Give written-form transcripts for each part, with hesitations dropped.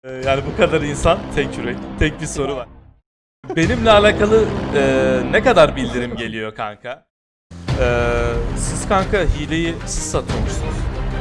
Yani bu kadar insan, tek yürek, tek bir soru var. Benimle alakalı ne kadar bildirim geliyor kanka? Siz kanka hileyi siz satıyormuşsunuz.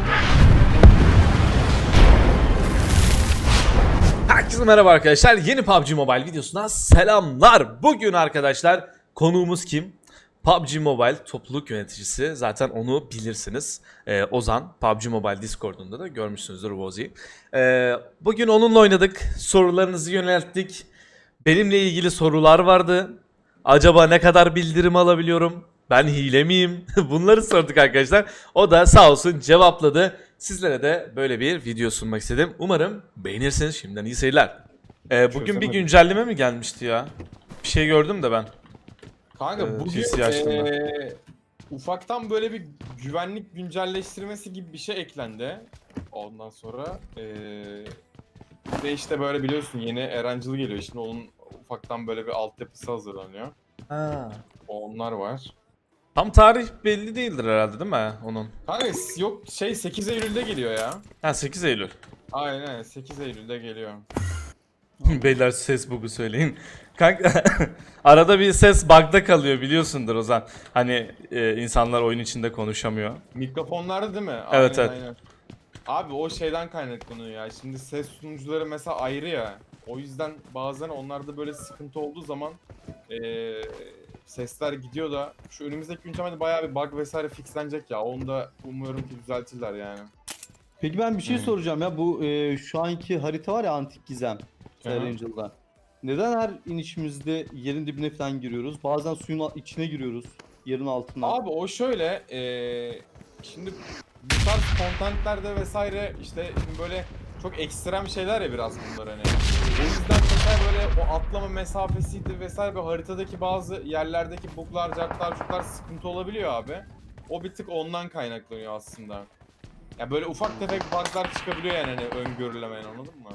Herkese merhaba arkadaşlar. Yeni PUBG Mobile videosuna selamlar. Bugün arkadaşlar konuğumuz kim? PUBG Mobile topluluk yöneticisi. Zaten onu bilirsiniz. Ozan. PUBG Mobile Discord'unda da görmüşsünüzdür Vozi'yi. Bugün onunla oynadık. Sorularınızı yönelttik. Benimle ilgili sorular vardı. Acaba ne kadar bildirim alabiliyorum? Ben hile miyim? Bunları sorduk arkadaşlar. O da sağ olsun cevapladı. Sizlere de böyle bir video sunmak istedim. Umarım beğenirsiniz. Şimdiden iyi seyirler. Bugün bir güncelleme mi gelmişti ya? Bir şey gördüm de ben. Kanka bugün PC açtığımda. ufaktan böyle bir güvenlik güncelleştirmesi gibi bir şey eklendi. Ondan sonra ve işte böyle biliyorsun yeni Erancıl geliyor. Şimdi onun ufaktan böyle bir altyapısı hazırlanıyor. Ha. Onlar var. Tam tarih belli değildir herhalde değil mi onun? Kanka yok 8 Eylül'de geliyor ya. Ha 8 Eylül. Aynen 8 Eylül'de geliyor. Beyler ses bug'u söyleyin. Kanka arada bir ses bug'da kalıyor biliyorsundur Ozan. Hani insanlar oyun içinde konuşamıyor. Mikrofonlarda değil mi? Evet, evet. Aynen. Abi o şeyden kaynaklanıyor ya. Şimdi ses sunucuları mesela ayrı ya. O yüzden bazen onlarda böyle sıkıntı olduğu zaman sesler gidiyor da şu önümüzdeki güncellemede bayağı bir bug vesaire fixlenecek ya. Onu da umuyorum ki düzeltirler yani. Peki ben bir şey Hmm. soracağım ya bu şu anki harita var ya Antik Gizem Erangel'da. Neden her inişimizde yerin dibine falan giriyoruz? Bazen suyun içine giriyoruz. Yerin altına. Abi o şöyle şimdi bu tarz contentlerde vesaire işte şimdi böyle çok ekstrem şeyler ya biraz bunlar hani. O yüzden mesela böyle o atlama mesafesiydi vesaire böyle haritadaki bazı yerlerdeki buglar, cartlar, çuklar sıkıntı olabiliyor abi. O bir tık ondan kaynaklanıyor aslında. Ya böyle ufak tefek buglar çıkabiliyor yani hani öngörülemeyen, anladın mı?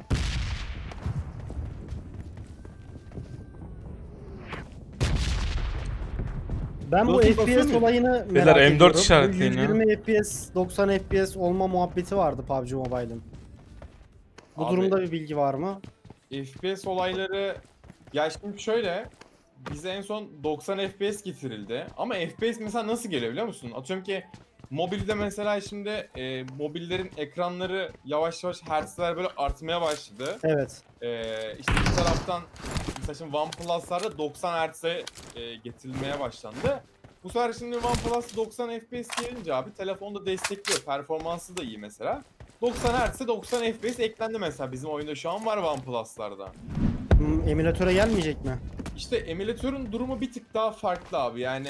Ben bu Dostum, FPS basıyor olayını Beyler, merak M4 ediyorum. Bu işaretleyin ya. 120 FPS, 90 FPS olma muhabbeti vardı PUBG Mobile'ın. Bu Abi- durumda bir bilgi var mı? FPS olayları ya şimdi şöyle bize en son 90 FPS getirildi ama FPS mesela nasıl geliyor biliyor musun? Atıyorum ki mobilde mesela şimdi mobillerin ekranları yavaş yavaş hertzler böyle artmaya başladı. Evet. İşte bir taraftan mesela şimdi OnePlus'larda 90 Hz'e getirilmeye başlandı. Bu sefer şimdi OnePlus 90 FPS gelince abi telefonda destekliyor. Performansı da iyi mesela. 90 Hz'e 90 FPS eklendi mesela bizim oyunda şu an var OnePlus'larda. Emülatöre gelmeyecek mi? İşte emülatörün durumu bir tık daha farklı abi. Yani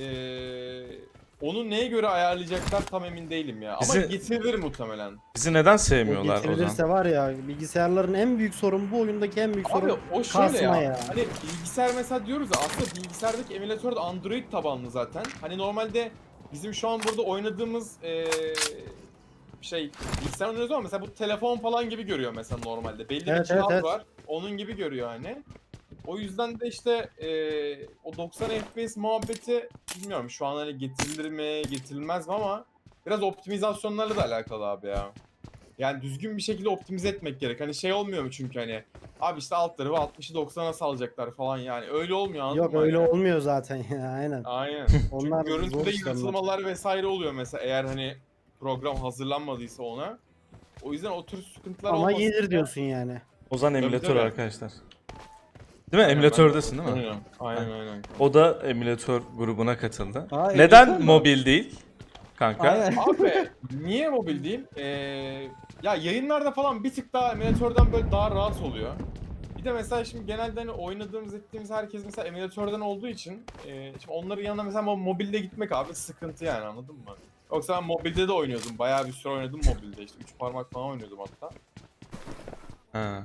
onu neye göre ayarlayacaklar tam emin değilim ya. Ama Bizi- getirilir muhtemelen. Bizi neden O sevmiyorlar Ozan? getirilirse var ya, bilgisayarların en büyük sorun, bu oyundaki en büyük Abi sorun o şöyle kasma ya. ya. Hani bilgisayar mesela diyoruz ya, aslında bilgisayardaki emülatör de Android tabanlı zaten. Hani normalde bizim şu an burada oynadığımız bilgisayar oynuyoruz ama mesela bu telefon falan gibi görüyor mesela normalde. Belli bir Evet, cihaz evet. var. Onun gibi görüyor hani. O yüzden de işte o 90 FPS muhabbeti bilmiyorum şu an hani getirilir mi getirilmez mi ama biraz optimizasyonlarla da alakalı abi ya. Yani düzgün bir şekilde optimize etmek gerek. Hani şey olmuyor mu çünkü hani abi işte alt tarafı 60'ı 90'a salacaklar falan yani. Öyle olmuyor, anladın Yok mı? öyle Hani? olmuyor zaten ya, aynen. Aynen. Onlar Çünkü zor görüntüde işlemler. yansımalar vesaire oluyor mesela eğer hani program hazırlanmadıysa ona. O yüzden o tür sıkıntılar Ama olmasın gelir da- diyorsun yani. Ozan emülatör tabii. arkadaşlar. Değil mi? Aynen, Emülatördesin ben değil mi? oynuyorum. Aynen. O da emülatör grubuna katıldı. Aa, Neden emülatör mü? mobil değil? Kanka. Aynen. Abi niye mobil değil? Ya yayınlarda falan bir tık daha emülatörden böyle daha rahat oluyor. Bir de mesela şimdi genelde hani oynadığımız ettiğimiz herkes mesela emülatörden olduğu için şimdi onların yanına mesela mobilde gitmek abi sıkıntı yani, anladın mı? Yoksa ben mobilde de oynuyordum. Bayağı bir süre oynadım mobilde işte. 3 parmak falan oynuyordum hatta. Ha.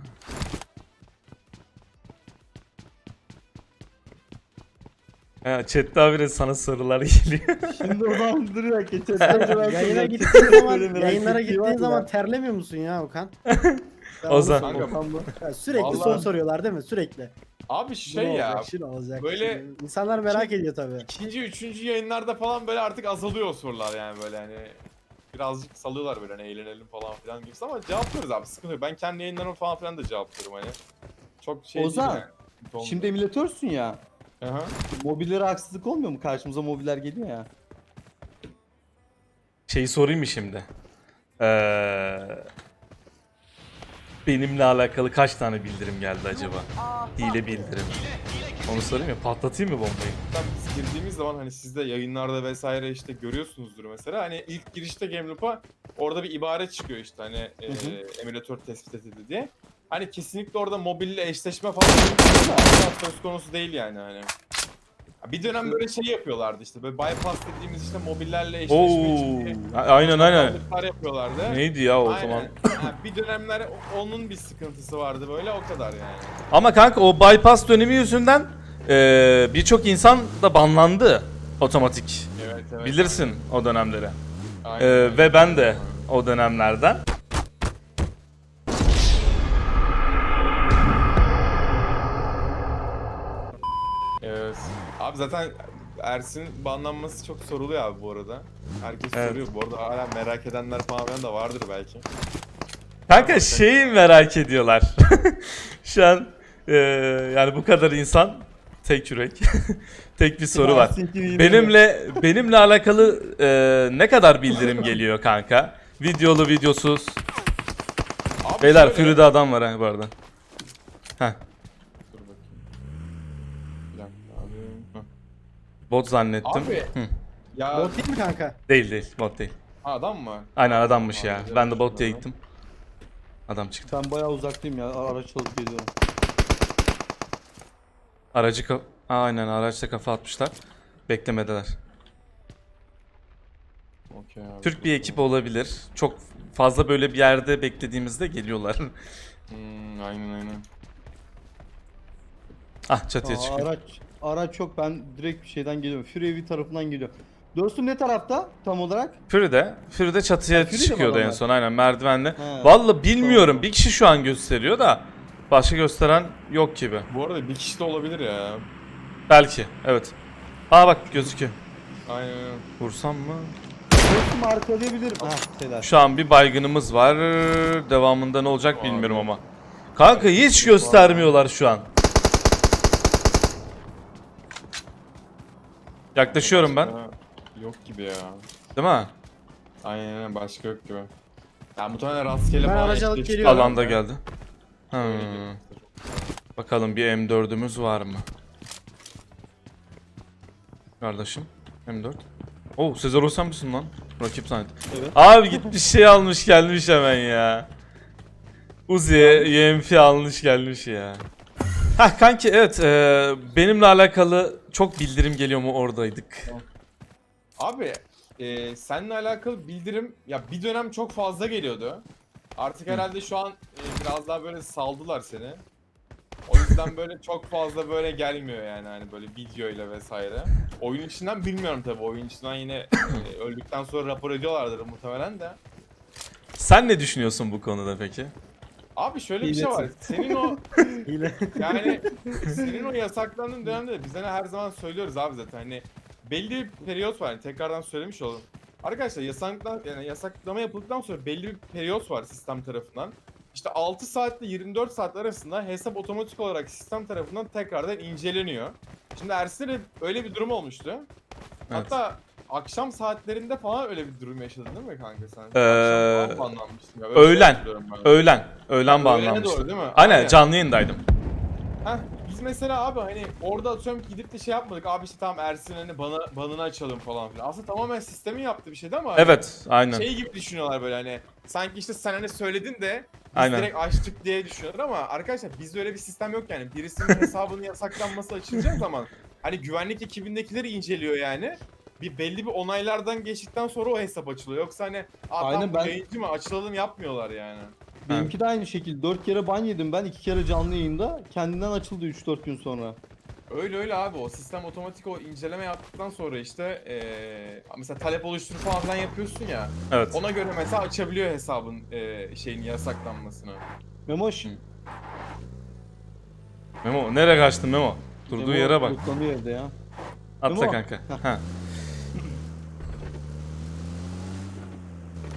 Ha, chat'te habire sana sorular geliyor. Şimdi o zaman dur ya geçen Yayına gittiğin zaman, yayınlara gittiğin zaman terlemiyor musun ya Okan? Ben onu Ozan. soruyorum. Ya sürekli Vallahi- soru soruyorlar değil mi? Sürekli. Abi Bu ne ya olacak, şu ne olacak? böyle- Şimdi İnsanlar merak ediyor tabii. ikinci, üçüncü yayınlarda falan böyle artık azalıyor o sorular yani böyle hani. birazcık salıyorlar böyle hani eğlenelim falan filan gibisi ama cevaplıyoruz abi, sıkıntı yok. Ben kendi yayınlarımı falan filan da cevaplıyorum hani. Çok şey Ozan, değil yani. Sıkıntı olmuyor. Şimdi emülatörsün ya. Aha. Mobillere haksızlık olmuyor mu? Karşımıza mobiller geliyor ya. Şeyi sorayım mı şimdi? Benimle alakalı kaç tane bildirim geldi acaba? Hile bildirim. Onu sorayım ya, patlatayım mı bombayı? Zaten biz girdiğimiz zaman hani siz de yayınlarda vesaire işte görüyorsunuzdur mesela. Hani ilk girişte Gameloop'a orada bir ibare çıkıyor işte hani emülatör tespit edildi diye. Hani kesinlikle orada mobille eşleşme falan asla söz konusu değil yani hani. Bir dönem böyle şey yapıyorlardı işte böyle bypass dediğimiz işte mobillerle eşleşme için diye Aynen aynen. çakallıklar yapıyorlardı. Neydi ya o Aynen. zaman? Ha, bir dönemler onun bir sıkıntısı vardı böyle, o kadar yani. Ama kanka o bypass dönemi yüzünden birçok insan da banlandı otomatik. Evet evet. Bilirsin o dönemleri. Aynen. Ve ben de o dönemlerden. Evet. Abi zaten Ersin banlanması çok soruluyor abi bu arada. Herkes Evet. soruyor. Bu arada hala merak edenler falan filan da vardır belki. Kanka şeyi merak ediyorlar. Şu an yani bu kadar insan, tek yürek, tek bir soru var. Benimle alakalı ne kadar bildirim geliyor kanka? Videolu videosuz. Abi Beyler şöyle- Fury'de adam var ha bu arada. Heh, Dur bakayım. Bir dakika abi. Heh. bot zannettim. Abi. Hı. Ya Bot değil mi kanka? Değil bot değil. adam mı? Aynen adammış ya. Abi, Ben de bot şunları. diye gittim. Adam çıktı. Ben bayağı uzaktayım ya. Araç alıp geliyorum. Aynen araçta kafa atmışlar. Beklemedeler. Okey abi. Türk bir ekip olabilir. Çok fazla böyle bir yerde beklediğimizde geliyorlar. Aynen. Ah çatıya çıkıyor. Araç yok, ben direkt bir şeyden geliyorum. Fury evi tarafından geliyor. Dostum ne tarafta tam olarak? Fury'de çatıya Ha, Fury'de mi çıkıyordu en adamlar? son aynen merdivenle. He, Vallahi bilmiyorum. tamam. Bir kişi şu an gösteriyor da başka gösteren yok gibi. Bu arada bir kişi de olabilir ya. Belki. Evet. Aa bak gözüküyor. Aynen. Vursam mı? Dostum arkalayabilirim. Ha, helal. Şu an bir baygınımız var. Devamında ne olacak Abi. bilmiyorum ama. Kanka hiç göstermiyorlar şu an. Yaklaşıyorum ben. Başka Yok gibi ya. Değil mi? Aynen başka yok gibi. Ya muhtemelen rastgele Ben falan aracı alıp eşleşti geliyorum. Alanda herhalde. geldi. Hmm. Öyle gibi. Bakalım bir M4'ümüz var mı? Kardeşim M4. Oo Sezar Osan mısın lan? Rakip zannettim. Evet. Abi gitmiş şey almış gelmiş hemen ya. Uzi'ye UMP almış gelmiş ya. Hah kanki evet benimle alakalı çok bildirim geliyor mu oradaydık. Abi seninle alakalı bildirim ya bir dönem çok fazla geliyordu. Artık herhalde şu an biraz daha böyle saldılar seni. O yüzden böyle çok fazla böyle gelmiyor yani hani böyle videoyla vesaire. Oyun içinden bilmiyorum tabii. Oyun içinden yine öldükten sonra rapor ediyorlardır muhtemelen de. Sen ne düşünüyorsun bu konuda peki? Abi şöyle bir şey var. Senin o Hile. yani senin o yasaklandığın dönemde de biz hani her zaman söylüyoruz abi zaten hani belli bir periyot var. Yani tekrardan söylemiş olalım. Arkadaşlar yasaklama yapıldıktan sonra belli bir periyot var sistem tarafından. İşte 6 saatle 24 saat arasında hesap otomatik olarak sistem tarafından tekrardan inceleniyor. Şimdi Ersin'de öyle bir durum olmuştu. Hatta akşam saatlerinde falan öyle bir durum yaşadın değil mi kanka sen? Akşam falan banlanmıştın ya. Öyle bir şey Öğlen. hatırlıyorum ben. Öğlen Öğlene banlanmıştı. doğru değil mi? Aynen canlı yayındaydım. Heh, biz mesela abi hani orada atıyorum ki gidip de şey yapmadık. Abi işte tamam Ersin hani banını açalım falan filan. Aslında tamamen sistemin yaptığı bir şeydi ama Evet aynen. şey gibi düşünüyorlar böyle hani sanki işte sen hani söyledin de biz Aynen. direkt açtık diye düşünüyorlar ama arkadaşlar bizde öyle bir sistem yok yani. Birisinin hesabının yasaklanması açılacağı zaman hani güvenlik ekibindekileri inceliyor yani. Belli bir onaylardan geçtikten sonra o hesap açılıyor. Yoksa hani Aynen, tam ben- yayıncı mı açılalım yapmıyorlar yani. Benimki de aynı şekilde. 4 kere ban yedim ben. 2 kere canlı yayında. Kendinden açıldı 3-4 gün sonra. Öyle abi o sistem otomatik o inceleme yaptıktan sonra işte mesela talep oluştur falan filan yapıyorsun ya. Evet. Ona göre mesela açabiliyor hesabın şeyin yasaklanmasını. Memoş. Memo nereye kaçtın Memo? Durduğu Memo yere bak. lootlanıyor evde ya. Atla Memo. kanka. Ha.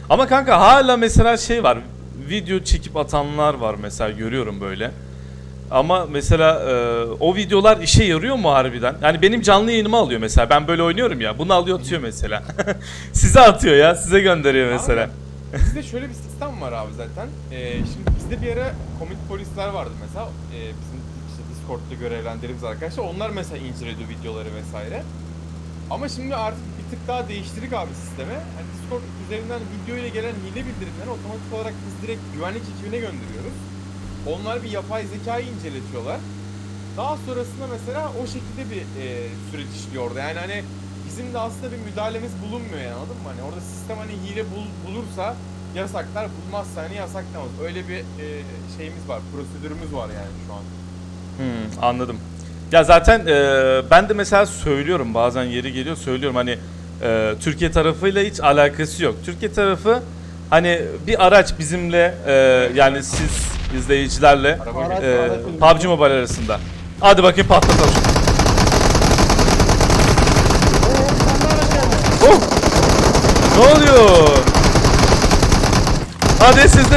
Ama kanka hala mesela şey var. Video çekip atanlar var mesela, görüyorum böyle. Ama mesela o videolar işe yarıyor mu harbiden? Yani benim canlı yayınıma alıyor mesela. Ben böyle oynuyorum ya. Bunu alıyor atıyor mesela. Size atıyor ya. Size gönderiyor mesela. Abi, bizde şöyle bir sistem var abi zaten. Şimdi bizde bir ara komik polisler vardı mesela. Bizim işte Discord'da görevlendirdiğimiz arkadaşlar. Onlar mesela inceliyordu videoları vesaire. Ama şimdi artık bir tık daha değiştirdik abi sistemi. Yani Discord üzerinden video ile gelen hile bildirimleri otomatik olarak biz direkt güvenlik ekibine gönderiyoruz. Onlar bir yapay zekayı inceletiyorlar. Daha sonrasında mesela o şekilde bir süreç işliyor orada. Yani hani bizim de aslında bir müdahalemiz bulunmuyor yani, anladın mı? Hani orada sistem hani hile bulursa yasaklar, bulmazsa hani yasaklamaz. Öyle bir şeyimiz var, prosedürümüz var yani şu an. Anladım. Ya zaten ben de mesela söylüyorum, bazen yeri geliyor söylüyorum hani Türkiye tarafıyla hiç alakası yok. Türkiye tarafı hani bir araç bizimle yani siz izleyicilerle Araba Araç- geliyor. araç- PUBG Mobile arasında. Hadi bakayım patlatalım. Oh! Ne oluyor? Hadi sizde.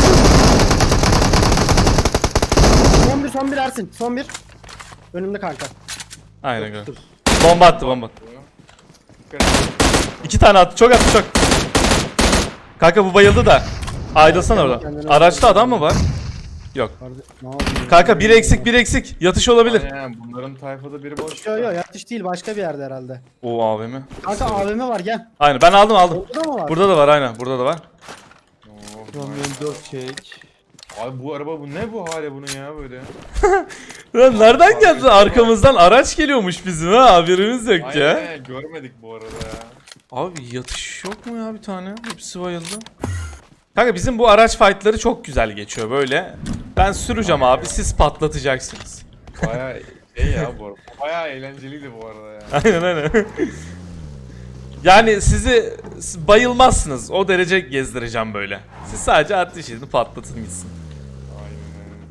Son bir Ersin. Son bir. Önümde kanka. Aynen öyle. Bomba attı. Dikkat et. 2 tane attı. Çok attı çok. Kanka bu bayıldı da. Aydılsana Kendine oradan. Araçta adam mı var? Yok. Ne yapıyorsun? Kanka bir eksik. Yatış olabilir. Aynen, bunların tayfada biri boş. Yok yatış değil, başka bir yerde herhalde. O AVM. Kanka AVM var, gel. Aynen ben aldım. Burada mı var? Burada da var aynen. Burada da var. Kamyon 4 çek. Abi bu araba bu ne bu hale bunun ya böyle? Lan nereden geldi? Arkamızdan araç geliyormuş bizim ha. Haberimiz yok ya. Aynen, görmedik bu arada ya. Abi yatış yok mu ya bir tane? Hepsi bayıldı. Kanka bizim bu araç fight'ları çok güzel geçiyor böyle. Ben süreceğim abi, siz patlatacaksınız. Baya şey ya bu arada. Baya eğlenceliydi bu arada ya. Aynen. Yani sizi bayılmazsınız. O derece gezdireceğim böyle. Siz sadece ateş edin, patlatın gitsin. Aynen öyle.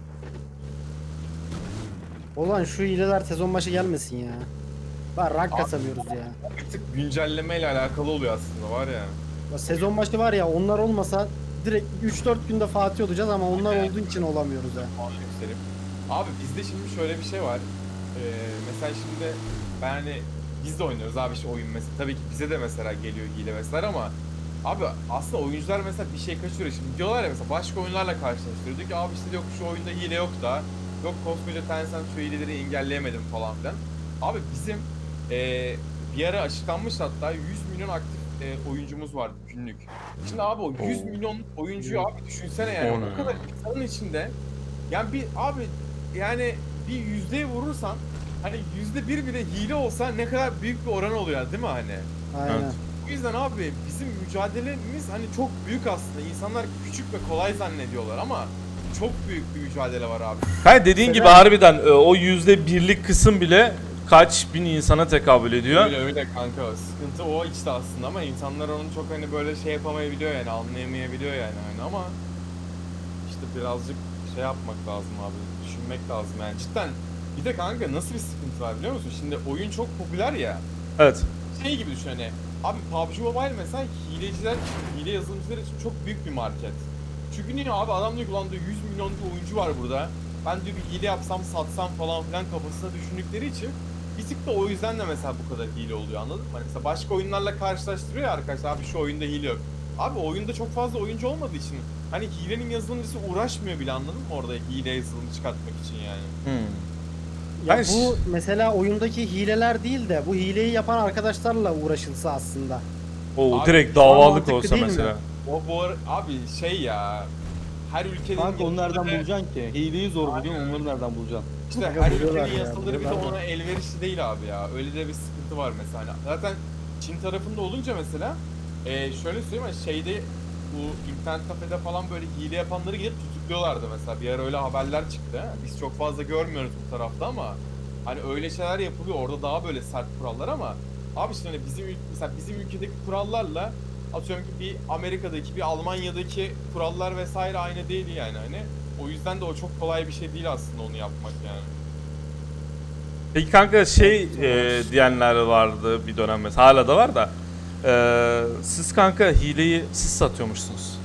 Ulan şu hileler sezon başı gelmesin ya. Bak rank kasamıyoruz ya. Bir tık güncellemeyle alakalı oluyor aslında var ya. Ya sezon başı var ya, onlar olmasa direkt 3-4 günde Fatih olacağız ama onlar olduğu için olamıyoruz ya. Puan yükselip. Abi bizde şimdi şöyle bir şey var. Mesela şimdi ben hani biz de oynuyoruz abi işte oyun mesela. Tabii ki bize de mesela geliyor hile vesaire ama abi aslında oyuncular mesela bir şey kaçırıyor. Şimdi diyorlar ya mesela başka oyunlarla karşılaştırıyor. Diyor ki abi işte yok şu oyunda hile yok da. Yok koskoca Tencent şu hileleri engelleyemedim falan filan. Abi bizim bir ara açıklanmış hatta 100 milyon aktif oyuncumuz var günlük. Şimdi abi o 100 milyon oyuncuyu abi düşünsene yani O ne o kadar insanın içinde yani bir abi yani bir yüzdeye vurursan hani %1 bile hile olsa ne kadar büyük bir oran oluyor değil mi hani? Aynen. Evet. O yüzden abi bizim mücadelemiz hani çok büyük aslında. İnsanlar küçük ve kolay zannediyorlar ama çok büyük bir mücadele var abi. Kanka dediğin gibi Mesela- harbiden o %1'lik kısım bile kaç bin insana tekabül ediyor. Öyle öyle kanka. Sıkıntı o işte aslında ama insanlar onu çok hani böyle şey yapamayabiliyor yani anlayamayabiliyor yani hani ama işte birazcık şey yapmak lazım abi. Düşünmek lazım yani cidden. Bir de kanka nasıl bir sıkıntı var biliyor musun? Şimdi oyun çok popüler ya. Evet. Şey gibi düşün hani. Abi PUBG Mobile mesela hileciler, hile yazılımcılar için çok büyük bir market. Çünkü niye abi adam diyor ki ulan diyor 100 milyon bir oyuncu var burada. Ben diyor bir hile yapsam satsam falan filan kafasına düşündükleri için bir tık da o yüzden de mesela bu kadar hile oluyor anladın mı? Hani mesela başka oyunlarla karşılaştırıyor ya arkadaşlar abi şu oyunda hile yok. Abi oyunda çok fazla oyuncu olmadığı için hani hilenin yazılımcısı uğraşmıyor bile anladın mı orada hile yazılımı çıkartmak için yani. Ya Hayır. bu mesela oyundaki hileler değil de bu hileyi yapan arkadaşlarla uğraşılsa aslında. O Abi, direkt şu an davalık mantıklı olsa değil mi? mesela. Abi şey ya her ülkenin Kanka onu nereden yasaları- bulacaksın ki? Hileyi zor buluyorsun, onları nereden bulacaksın? İşte Aga her buluyorlar ülkenin ya, yasaları bir de buluyorlar da. ona elverişli değil abi ya. Öyle de bir sıkıntı var mesela. Hani zaten Çin tarafında olunca mesela şöyle söyleyeyim hani şeyde bu internet kafede falan böyle hile yapanları gelip tutukluyorlardı mesela. Bir ara öyle haberler çıktı. Biz çok fazla görmüyoruz bu tarafta ama hani öyle şeyler yapılıyor. Orada daha böyle sert kurallar ama abi işte hani mesela bizim ülkedeki kurallarla atıyorum ki bir Amerika'daki bir Almanya'daki kurallar vesaire aynı değil yani hani. O yüzden de o çok kolay bir şey değil aslında onu yapmak yani. Peki kanka şey diyenler vardı bir dönem mesela, hala da var da Siz kanka hileyi siz satıyormuşsunuz.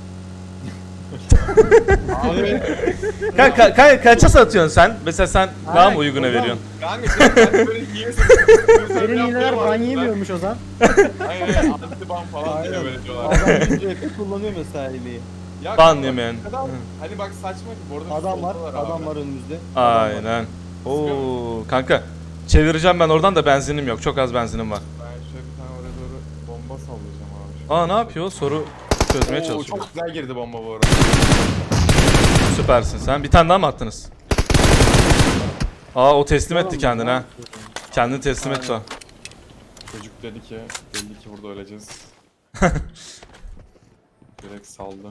Abi Kaça satıyorsun sen? Mesela sen daha mı uyguna Ozan. veriyorsun? kanka ben böyle hile satıyorsun. Senin hileler ban yemiyormuş Ozan. Aynen anti-ban falan diye böyle diyorlar. Adam RP kullanıyor mesela hileyi. Ya Ban kanka, yemeyen. Adam, hani bak saçma ki bu arada Adam var, soldalar abi. adam var önümüzde. Adam var. Aynen. Oo kanka çevireceğim ben oradan da benzinim yok. Çok az benzinim var. Ben şöyle bir tane oraya doğru bomba sallayacağım abi. Aa ne yapıyor? Soru çözmeye Oo, çalışıyor. çok güzel girdi bomba bu arada. Süpersin sen. Bir tane daha mı attınız? Aa o teslim etti kendini ha. Kendini teslim etti o. Çocuk dedi ki belli ki burada öleceğiz. Direkt saldı.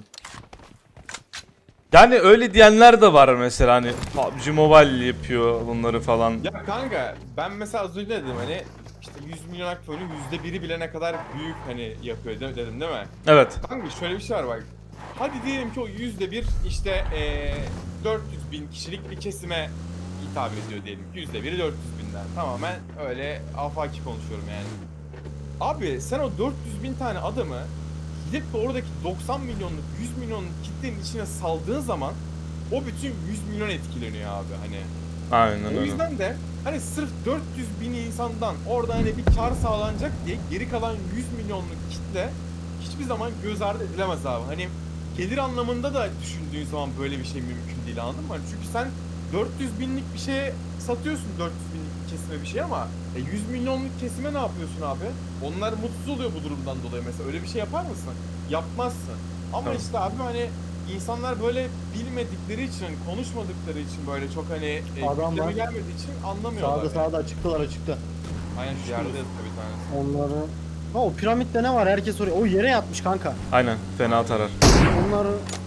Yani öyle diyenler de var mesela hani PUBG Mobile yapıyor bunları falan. Ya kanka ben mesela az önce dedim hani işte 100 milyon aktif oyunun %1'i bile ne kadar büyük hani yapıyor dedim değil mi? Evet. Kanka şöyle bir şey var bak. Hadi diyelim ki o %1 işte 400 bin kişilik bir kesime hitap ediyor diyelim ki %1'i 400 binden. Tamamen öyle afaki konuşuyorum yani. Abi sen o 400 bin tane adamı gidip de oradaki 90 milyonluk 100 milyonluk kitlenin içine saldığın zaman o bütün 100 milyon etkileniyor abi hani. Aynen O öyle. yüzden de hani sırf 400 bin insandan orada hani bir kar sağlanacak diye geri kalan 100 milyonluk kitle hiçbir zaman göz ardı edilemez abi. Hani gelir anlamında da düşündüğün zaman böyle bir şey mümkün değil anladın mı? Hani çünkü sen 400 binlik bir şeye satıyorsun 400 binlik bir kesime bir şey ama 100 milyonluk kesime ne yapıyorsun abi? Onlar mutsuz oluyor bu durumdan dolayı mesela öyle bir şey yapar mısın? Yapmazsın. Ama Tabii. işte abi hani insanlar böyle bilmedikleri için, konuşmadıkları için böyle çok hani Adam gündeme var. gelmediği için anlamıyorlar. Sağda açıktalar açıkta. Aynen şu yerde yatıyor bir tanesi. Onları... Ha o piramitte ne var? Herkes oraya. O yere yatmış kanka. Aynen fena tarar. Onları...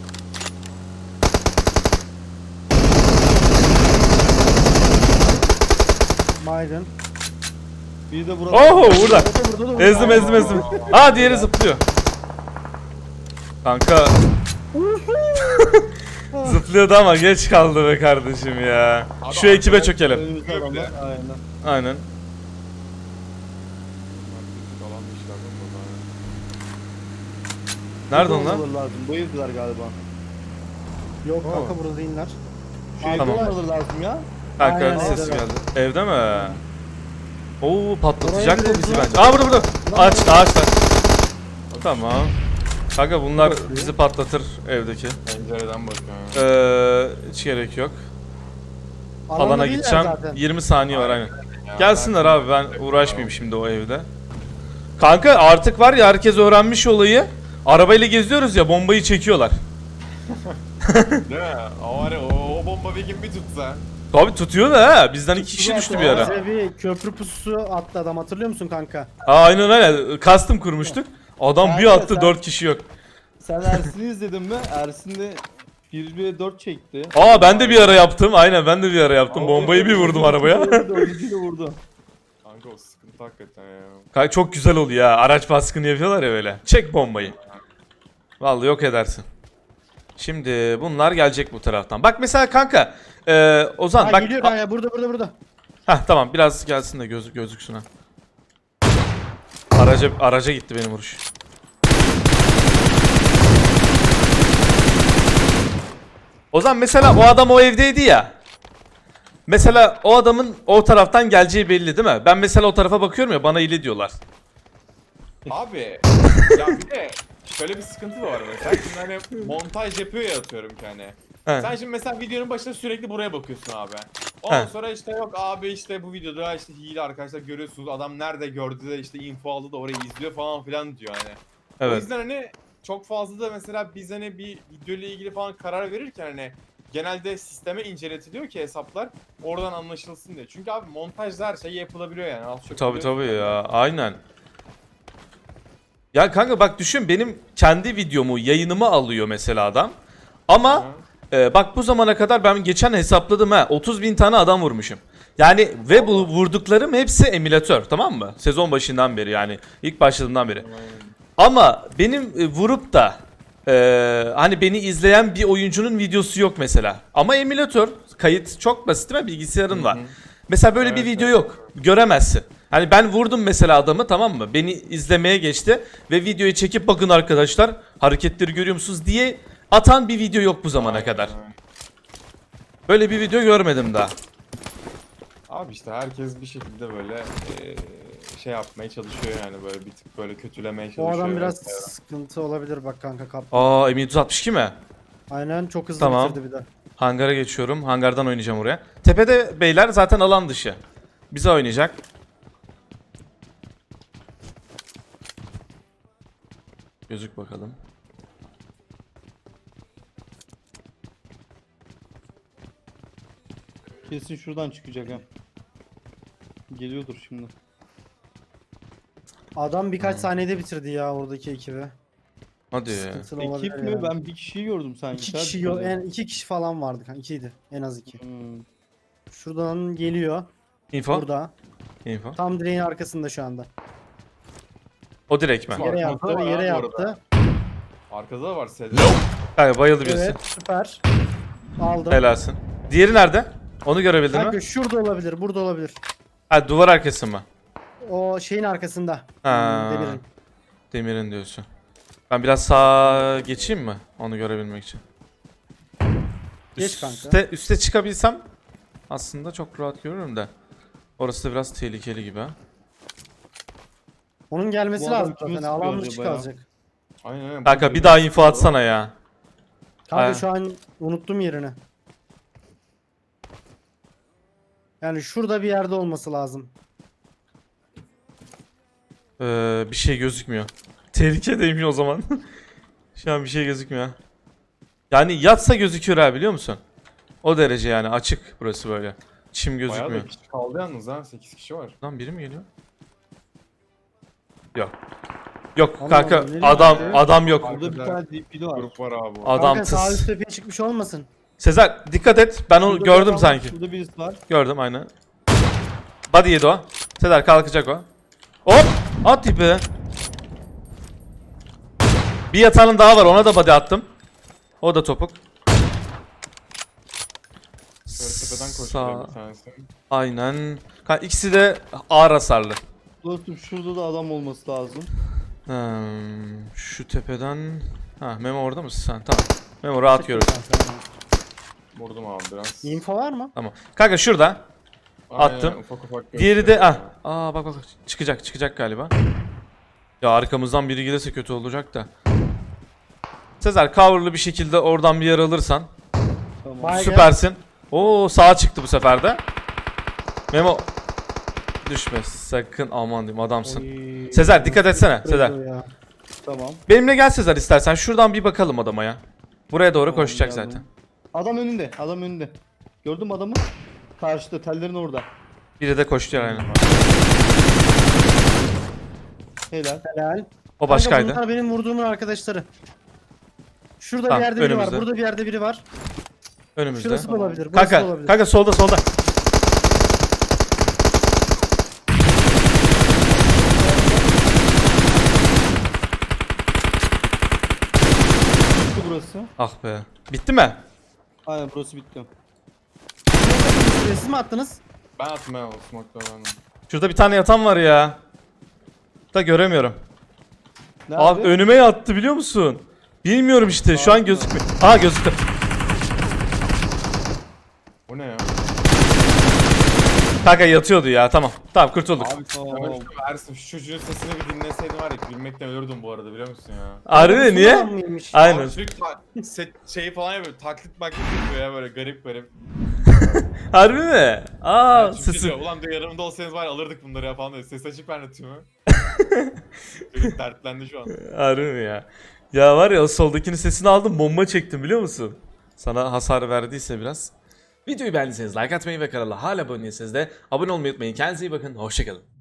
Baygın. Bir de burada. Oho burada. Burada da Ezdim. Aa diğeri zıplıyor. Kanka. Zıplıyordu ama geç kaldı be kardeşim ya. Abi Şu ekibe arkadaş- çökelim. Önümüzde adamlar. Aynen. Aynen. Nerede onlar? Olmaları lazım. Bu evdiler galiba. Yok kanka burada değiller. Şu evde Tamam. olmaları lazım ya. Kanka Aynen, sesi evde. geldi. Evde mi? Oo patlatacak Oraya mı bizi direkt bence? Aa burada. Ağaçlar. Tamam. Kanka bunlar bizi patlatır evdeki. Pencereden bakıyorum. Hiç gerek yok. Alanda Alana değiller gideceğim. zaten. 20 saniye var aynen. Ya, Gelsinler abi ben uğraşmayayım şimdi o evde. Kanka artık var ya herkes öğrenmiş olayı. Arabayla geziyoruz ya bombayı çekiyorlar. Değil mi? O var ya o bomba bir gün bir tutsa. Tabi tutuyor da ha. Bizden 2 kişi düştü bir ara. Bize bir köprü pususu attı adam hatırlıyor musun kanka? Aynen öyle. Custom kurmuştuk. Adam bir Kanka attı sen- 4 kişi yok. Sen Ersin'i izledin mi? Ersin de 1v4 çekti. Aa ben de bir ara yaptım. Aynen ben de bir ara yaptım. Bombayı bir vurdum arabaya. Dördüncüyle vurdu. Kanka o sıkıntı hakikaten ya. Kanka çok güzel oluyor ya. Araç baskını yapıyorlar ya böyle. Çek bombayı. Vallahi yok edersin. Şimdi bunlar gelecek bu taraftan. Bak mesela kanka. Ozan Ha bak. geliyor kanka burada. Heh tamam biraz gelsin de gözüksün ha. Araca gitti benim vuruş. Ozan mesela o adam o evdeydi ya. Mesela o adamın o taraftan geleceği belli değil mi? Ben mesela o tarafa bakıyorum ya bana ili diyorlar. Abi ya bir de şöyle bir sıkıntı da var mesela. Şimdi hani montaj yapıyor ya atıyorum ki hani. He. Sen şimdi mesela videonun başında sürekli buraya bakıyorsun abi. Ondan He. sonra işte yok abi işte bu videoda işte hile arkadaşlar görüyorsunuz adam nerede gördü de işte info aldı da orayı izliyor falan filan diyor hani. O Evet. yüzden hani çok fazla da mesela biz hani bir video ile ilgili falan karar verirken hani genelde sisteme inceletiliyor ki hesaplar oradan anlaşılsın diye. Çünkü abi montajda her şey yapılabiliyor yani. Az çok Tabii biliyorsun. tabii ya aynen. Ya kanka bak düşün benim kendi videomu yayınımı alıyor mesela adam. Ama bak bu zamana kadar ben geçen hesapladım ha 30.000 tane adam vurmuşum. Yani ve bu vurduklarım hepsi emülatör tamam mı? Sezon başından beri yani ilk başladığımdan beri. Ama benim vurup da hani beni izleyen bir oyuncunun videosu yok mesela. Ama emülatör kayıt çok basit değil mi? Bilgisayarın var. Mesela böyle bir Evet, video evet. yok. Göremezsin. Hani ben vurdum mesela adamı, tamam mı? Beni izlemeye geçti ve videoyu çekip bakın arkadaşlar hareketleri görüyor musunuz diye atan bir video yok bu zamana kadar. Böyle bir video görmedim daha. Abi işte herkes bir şekilde böyle şey yapmaya çalışıyor yani, böyle bir tık böyle kötülemeye Bu çalışıyor. adam biraz vesaire. sıkıntı olabilir bak kanka kap. Aa M762 mi? Aynen çok hızlı Tamam. bitirdi bir de. Hangara geçiyorum. Hangardan oynayacağım oraya. Tepede beyler zaten alan dışı. Bize oynayacak. Gözük bakalım. Kesin şuradan çıkacak ha. Geliyordur şimdi. Adam birkaç saniyede bitirdi ya oradaki ekibi. Hadi. Sıkıntılı Ekip olabilir mi? yani. Ben bir kişiyi gördüm sanki. İki Sen kişi söyle. en iki kişi falan vardı kanka. İkiydi. En az iki. Hmm. Şuradan geliyor. Info. Burada. Info. Tam direğin arkasında şu anda. O direkt mi? Var, Yere arkada yaptı, var yere abi bu arada. yaptı. Arkada da var Sezer. Kanka bayıldı birisi. Evet, süper. Aldım. Helalsin. Diğeri nerede? Onu görebildin Kanka mi? şurada olabilir, burada olabilir. Ha, duvar arkası mı? O şeyin arkasında. Ha. Demirin. Demirin diyorsun. Ben biraz sağa geçeyim mi? Onu görebilmek için. Geç kanka. Üste çıkabilsem aslında çok rahat görürüm de. Orası da biraz tehlikeli gibi ha. Onun gelmesi Bu adam lazım kime zaten. sıkıyor Alan dışı acaba ya? kalacak. Aynen aynen. Kanka bir daha info atsana ya. Kanka Aynen. şu an unuttum yerini. Yani şurada bir yerde olması lazım. Bir şey gözükmüyor. Tehlikedeyim o zaman. Şu an bir şey gözükmüyor. Yani yatsa gözüküyor ha, biliyor musun? O derece yani, açık burası böyle. Çim Bayağı gözükmüyor. da kişi kaldı yalnız ha. 8 kişi var. Lan biri mi geliyor? Yok. Yok Allah kanka, Allah, nereye adam gidiyor? adam yok. Burada bir tane DP'li var. Grup var abi. Adam Kanka sağ üst tıs. tepeye çıkmış olmasın. Sezer dikkat et. Ben onu Şurada bir gördüm adam var, sanki. Şurada birisi var. Gördüm aynen. Body yedi o. Sezer kalkacak o. Hop! At tipi. Bir yatağının daha var, ona da body attım. O da topuk. Şöyle tepeden Sağ. koşuyor bir tanesi. Aynen. İkisi de ağır hasarlı. Dostum şurada da adam olması lazım. Şu tepeden... Ha, Memo orada mısın sen? Tamam. Memo rahat görür. Vurdum abi biraz. Info var mı? Tamam. Kanka şurada. Aynen, attım. ufak ufak Diğeri de... gösteriyor. Aa bak çıkacak galiba. Ya arkamızdan biri gelirse kötü olacak da. Sezer coverlı bir şekilde oradan bir yer alırsan Tamam. Baygın. süpersin. Oo, sağa çıktı bu sefer de. Memo düşme sakın, aman diyeyim, adamsın. Oy. Sezer dikkat etsene Sezer. Ya. Tamam. Benimle gel Sezer istersen, şuradan bir bakalım adama ya. Buraya doğru Tamam, koşacak geldim. zaten. Adam önünde. Adam önünde. Gördün mü adamı? Karşıda, tellerin orada. Biri de koştu yani. Helal. Helal. O Kanka başkaydı. bunlar benim vurduğumun arkadaşları. Şurada Tamam, bir yerde biri var. önümüzde. Burada bir yerde biri var. Önümüzde. Şurası da olabilir. Burası da Kanka, olabilir. kanka solda. Bitti burası. Ah be. Bitti mi? Aynen burası bitti. Siz mi attınız? Ben attım ya o smoke'ları ben. Şurada bir tane yatan var ya. Da göremiyorum. Nerede? Abi önüme yattı, biliyor musun? Bilmiyorum işte, şu an gözükmüyor. Aa, gözüktü. O ne ya? Kanka yatıyordu ya, tamam. Tamam, kurtulduk. Abi Tamam. Ömer Ersin, şu çocuğun sesini bir dinleseydim var ya, gülmekten ölürdüm bu arada, biliyor musun ya? Harbi mi? Niye? Şuradan mıymış? Aynen. Abi sürekli şeyi falan yapıyor, taklit yapıyor ya, böyle garip. Harbi mi? Aa, Yani çünkü sesi. diyor, ulan diyor yanımda olsaydınız var ya, alırdık bunları ya falan diyor. Ses açık anlatıyor mu? Çocuk dertlendi şu an. Harbi mi ya? Ya var ya, o soldakinin sesini aldım, bomba çektim, biliyor musun? Sana hasar verdiyse biraz. Videoyu beğendiyseniz like atmayı ve kanala hala abone değilseniz de abone olmayı unutmayın. Kendinize iyi bakın. Hoşçakalın.